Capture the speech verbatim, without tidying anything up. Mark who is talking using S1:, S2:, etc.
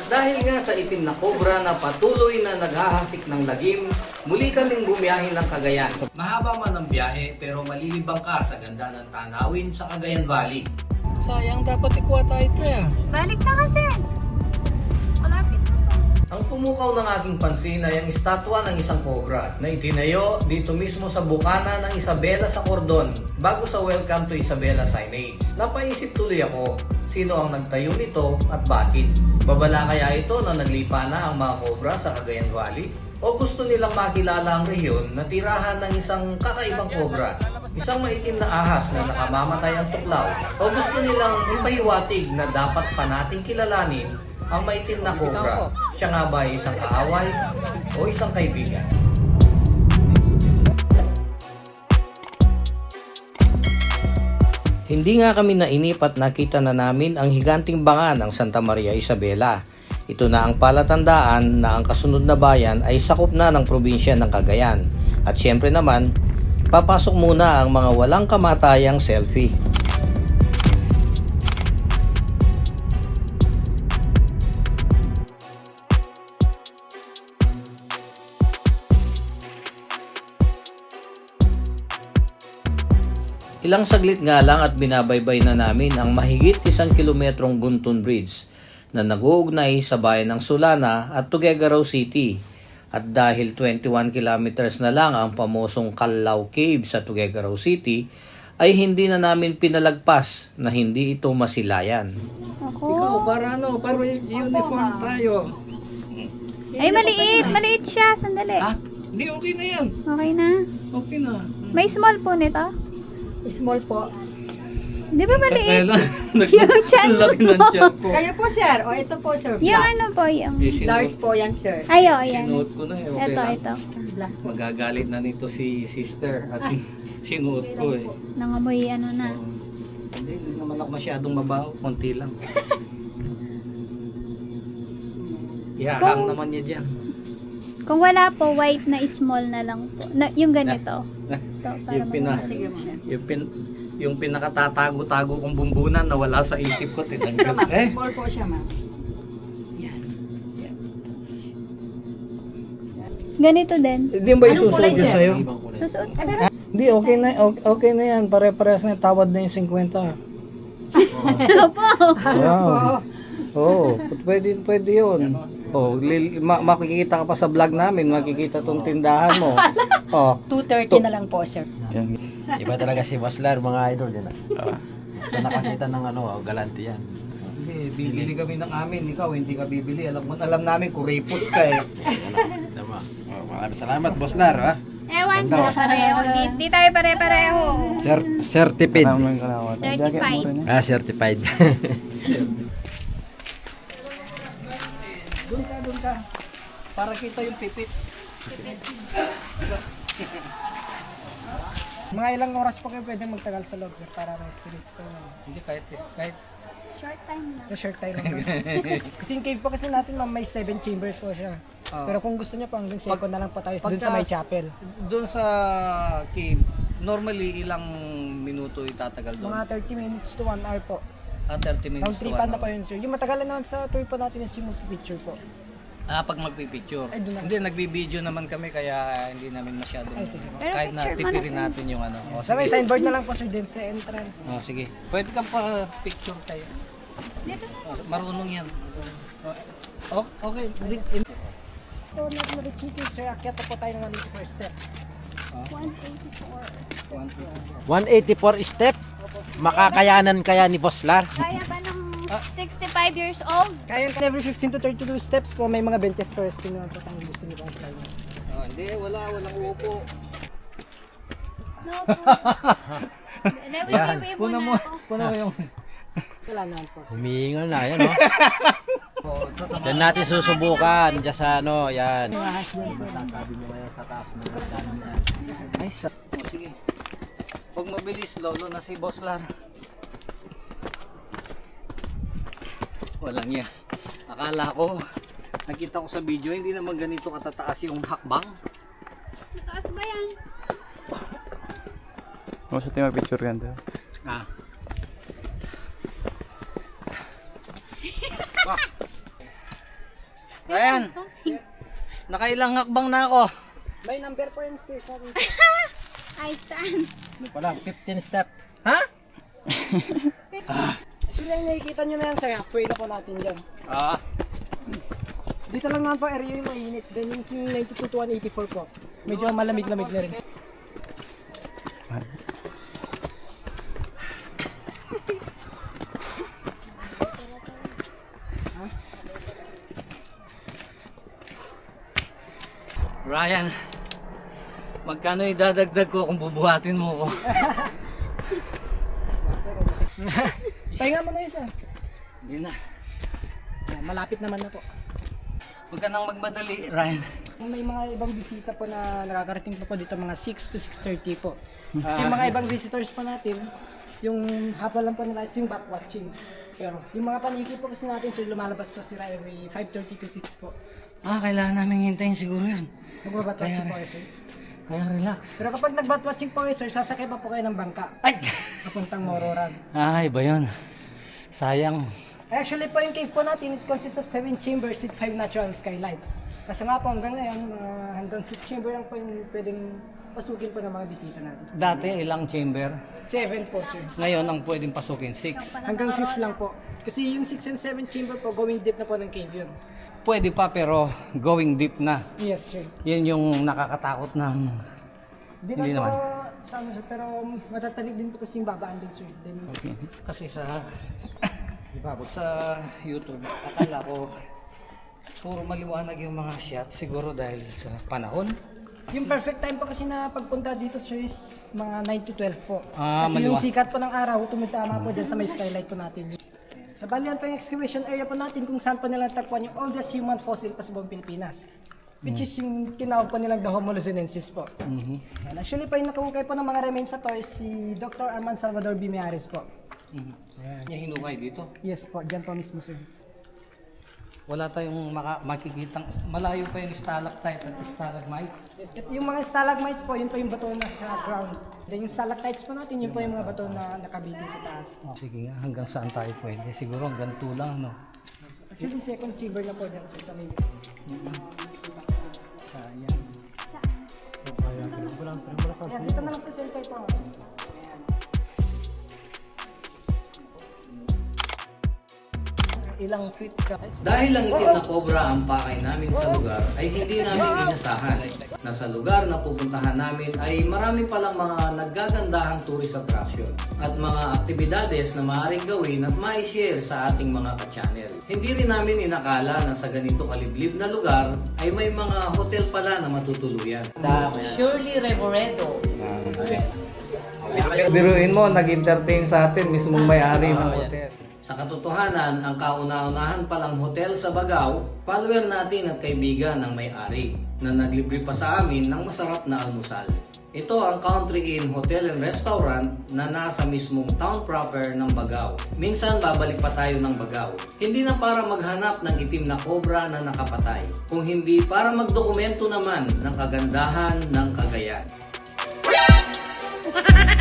S1: Dahil nga sa itim na kobra na patuloy na naghahasik ng lagim, muli kaming bumiyahe ng Cagayan. Mahaba man ang biyahe pero malilibang ka sa ganda ng tanawin sa Cagayan Valley. Sayang, dapat ikuha tayo ito ya.
S2: Balik na kasi. Malapit na to.
S1: Ang pumukaw ng aking pansin ay ang estatwa ng isang kobra na itinayo dito mismo sa bukana ng Isabela sa Cordon bago sa Welcome to Isabela signage. Napaisip tuloy ako, sino ang nagtayo nito at bakit? Babala kaya ito na naglipa na ang mga kobra sa Cagayan Valley? O gusto nilang makilala ang rehiyon na tirahan ng isang kakaibang kobra? Isang maitim na ahas na nakamamatay ang tuklaw? O gusto nilang ipahiwatig na dapat pa nating kilalanin ang maitim na kobra? Siya nga ba ay isang kaaway o isang kaibigan? Hindi nga kami nainip at nakita na namin ang higanting banga ng Santa Maria Isabela. Ito na ang palatandaan na ang kasunod na bayan ay sakop na ng probinsya ng Cagayan. At syempre naman, papasok muna ang mga walang kamatayang selfie. Ilang saglit nga lang at binabaybay na namin ang mahigit isang kilometrong Gunton Bridge na nag-uugnay sa bayan ng Sulana at Tuguegarao City. At dahil twenty-one kilometers na lang ang pamosong Callao Cave sa Tuguegarao City, ay hindi na namin pinalagpas na hindi ito masilayan.
S2: Ako.
S1: Ikaw, para ano? Para uniform tayo.
S2: Ay, maliit. Maliit siya. Sandali.
S1: Ha? Hindi, okay na yan.
S2: Okay na.
S1: Okay na.
S2: May small po nito.
S3: Small po.
S2: Di ba maliit?
S1: lang.
S2: Yung chan
S1: Laki ng
S2: mo.
S1: tiyan ko.
S3: Kayo po, sir. O, ito po, sir.
S2: Yung
S3: Black.
S2: ano po, yung...
S3: Large po yan, sir.
S2: Ay, oh, yan.
S1: Sinuot ko na eh. Okay
S2: Ito,
S1: lang.
S2: ito.
S3: Black.
S1: Magagalit na nito si sister at sinuot ko eh.
S2: Nangamoy ano na.
S1: Oo. Hindi, hindi naman ako masyadong mabaho. Konti lang. Ihahang
S2: Kung-
S1: naman niya dyan.
S2: Kung wala po, white na small na lang po. Na, yung ganito. Ito, para
S1: yung, pina,
S2: mag-
S3: Sige, ma'am.
S1: yung, pin, yung pinakatatago-tago kong bumbunan na wala sa isip ko.
S3: Ito,
S1: Tinanggal.
S3: ma'am.
S1: Eh?
S3: Small po siya, ma'am.
S2: Ganito din.
S1: Hindi ba
S3: Anong kulay,
S1: isusuot yun
S3: sir?
S1: sa'yo?
S2: Susuot.
S1: Hindi, okay na, okay, okay na yan. Pare-parehas na tawad na yung fifty.
S2: Ano po?
S1: Wow. Oo, pwede, pwede yun. Oh, lil, ma- makikita ka pa sa vlog namin, makikita tong tindahan mo. Oh,
S3: two thirty na lang po, sir.
S4: Iba talaga si Baslar, mga idol din. Uh, nakakita ng ano, oh, galante yan.
S1: hindi, bibili kami ng amin, ikaw hindi ka bibili. Alam mo, alam namin kuripot ka eh.
S4: Tama. Oh, maraming salamat, Baslar. Ha?
S2: Ewan ko na pareho. Di, di tayo pare-pareho.
S4: Cer certified.
S2: Certified.
S4: Ah, certified.
S1: Doon ka, doon ka. Para kita yung pipit.
S5: Mga ilang oras po kayo pwede magtagal sa loob, sir, para ma-estimate ko.
S1: Hindi, kahit, kahit
S2: Short time lang.
S5: Short time lang. Kasi yung cave po kasi natin, ma'am, may seven chambers po siya.
S1: Ah.
S5: Pero kung gusto niyo po, hanggang second
S1: Pag-
S5: na lang po tayo dun
S1: pagka-
S5: sa may chapel.
S1: doon sa cave, normally ilang minuto itatagal doon?
S5: Mga thirty minutes to one hour po.
S1: Ah, thirty minutes
S5: Round
S1: to
S5: trip
S1: one
S5: na po
S1: hour.
S5: yun, sir. Yung matagalan naman sa tour po natin is yung picture po.
S1: Ah, pag magpipicture.
S5: Ay, doon na.
S1: Hindi, nagbibideo naman kami kaya hindi namin masyadong
S5: Ay, sige.
S2: Pero
S1: kahit na
S2: picture mo
S1: tipirin
S2: na.
S1: natin yung ano. O,
S5: Sa may
S1: sige.
S5: signboard na lang po, sir, din sa entrance.
S1: Oh, sige. Pwede kang pa picture tayo.
S2: Dito na.
S1: Oh, marunong yan. Oh, okay. Di- in-
S5: So, nag-reach dito, sir, akyat na po tayo ng one eighty-four steps.
S2: one eighty-four.
S4: one eighty-four step. Makakayanan kaya ni Baslar?
S2: Kaya ba ng sixty-five years old?
S5: Kaya every fifteen to thirty-two steps po, may mga benches for resting naman po kung gusto niyo po.
S1: Oh, hindi, wala. Walang upo.
S2: No po. Nawiwiwi mo
S1: Puna
S2: na
S1: mo.
S2: ako.
S1: Puna mo yung...
S5: Wala naman po.
S4: Humihingal na, yan oh. Diyan natin susubukan, diyan sa ano, yan.
S1: Ay, sa... Oh, sige. Pag mabilis, lolo na si Boss Lan. Walang niya. Akala ko, nakita ko sa video, hindi naman ganito katataas yung hakbang.
S2: Taas ba yan?
S6: Vamos a tener picture ganda.
S1: Ah. Ryan,
S2: Bossing.
S1: nakailang hakbang na ako.
S5: May number po yung stairs natin.
S2: Ay, saan?
S4: Ano pa lang, fifteen step.
S1: Ha?
S5: Actually, ang nakikita nyo na yan, sir. Halfway na po natin dyan.
S1: Ah,
S5: Dito lang naman po area yung mainit. Then yung ninety-two to one eighty-four po. Medyo malamig-lamig na rin.
S1: Ryan, magkano idadagdag ko kung bubuhatin mo ko?
S5: Pahinga mo na yun, sir.
S1: Hindi na.
S5: Yan, malapit naman na po.
S1: Huwag ka nang magmadali, Ryan.
S5: May mga ibang bisita po na nakakarating pa po dito, mga six to six thirty po. Kasi yung mga ibang visitors po natin, yung hapon lang po nila is yung back watching. Pero yung mga paniki po kasi natin, sir, lumalabas po sila every five thirty to six po.
S1: Ah, kailangan namin hintayin siguro yun.
S5: Nagbabat watching po kayo, sir.
S1: Kaya relax.
S5: Pero kapag nagbat watching po kayo, sir, sasakay pa po kayo ng bangka.
S1: Ay!
S5: Papuntang Mororan.
S1: Ay, ba yun? Sayang.
S5: Actually po yung cave po natin, it consists of seven chambers with five natural skylights. Kasi nga po hanggang ngayon, mga hanggang fifth chamber lang po yung pwedeng pasukin po ng mga bisita natin.
S1: Dati ilang chamber?
S5: Seven po, sir.
S1: Ngayon ang pwedeng pasukin, six.
S5: Hanggang fifth lang po. Kasi yung six and seven chamber po, going deep na po ng cave yun.
S1: Pwede pa pero going deep na.
S5: Yes, sir.
S1: Yun yung nakakatakot ng...
S5: Di
S1: Hindi
S5: na
S1: naman.
S5: po, sa ano, sir, pero matatalig din po kasi yung babaan din, sir. Then,
S1: Kasi sa... sa YouTube, akala ko puro maliwanag yung mga shots. Siguro dahil sa panahon.
S5: yung perfect time po kasi na pagpunta dito, sir, is mga nine to twelve po.
S1: Ah,
S5: kasi yung
S1: maliwa-
S5: sikat po ng araw, tumitama po dyan sa may skylight po natin. Sa balian po yung excavation area po natin kung saan po nila tagpuan yung oldest human fossil pa sa buong Pilipinas. Which is yung tinawag po nilang the Homo luzonensis po.
S1: Mhm.
S5: And actually po yung nakahukay po ng mga remains na to is si Doctor Arman Salvador Bimeares po.
S1: Mhm. Yung hinukay dito.
S5: Yes po, dyan po mismo, sir.
S1: Wala tayong maka- makikitang... Malayo pa yung stalactite at stalagmite.
S5: Yes, at yung mga stalagmites po, yun po yung bato na sa ground. Then yung stalactites po natin, yun po yung mga bato na nakabitin sa taas.
S1: Oh, sige nga, hanggang saan tayo pwede? Siguro hanggang two lang, no?
S5: Actually, second chamber na po dyan, sir, sa main.
S1: Sayang.
S5: Ayan, dito na lang sa center po.
S1: Ilang feet ka? Dahil lang itim na cobra ang pakay namin sa lugar, ay hindi namin inasahan na sa lugar na pupuntahan namin ay marami palang mga naggagandahang tourist attraction at mga aktibidades na maaaring gawin at ma-share sa ating mga ka-channel. Hindi rin namin inakala na sa ganito kaliblib na lugar ay may mga hotel pala na matutuluyan.
S7: Surely Revoredo.
S1: Biruin mo, nag-entertain sa atin mismong may-ari ng hotel. Sa katotohanan, ang kauna-unahan palang hotel sa Bagao, follower natin at kaibigan ng may-ari na naglibre pa sa amin ng masarap na almusal. Ito ang Country Inn Hotel and Restaurant na nasa mismong town proper ng Bagao. Minsan babalik pa tayo ng Bagao. Hindi na para maghanap ng itim na cobra na nakapatay, kung hindi para magdokumento naman ng kagandahan ng Cagayan.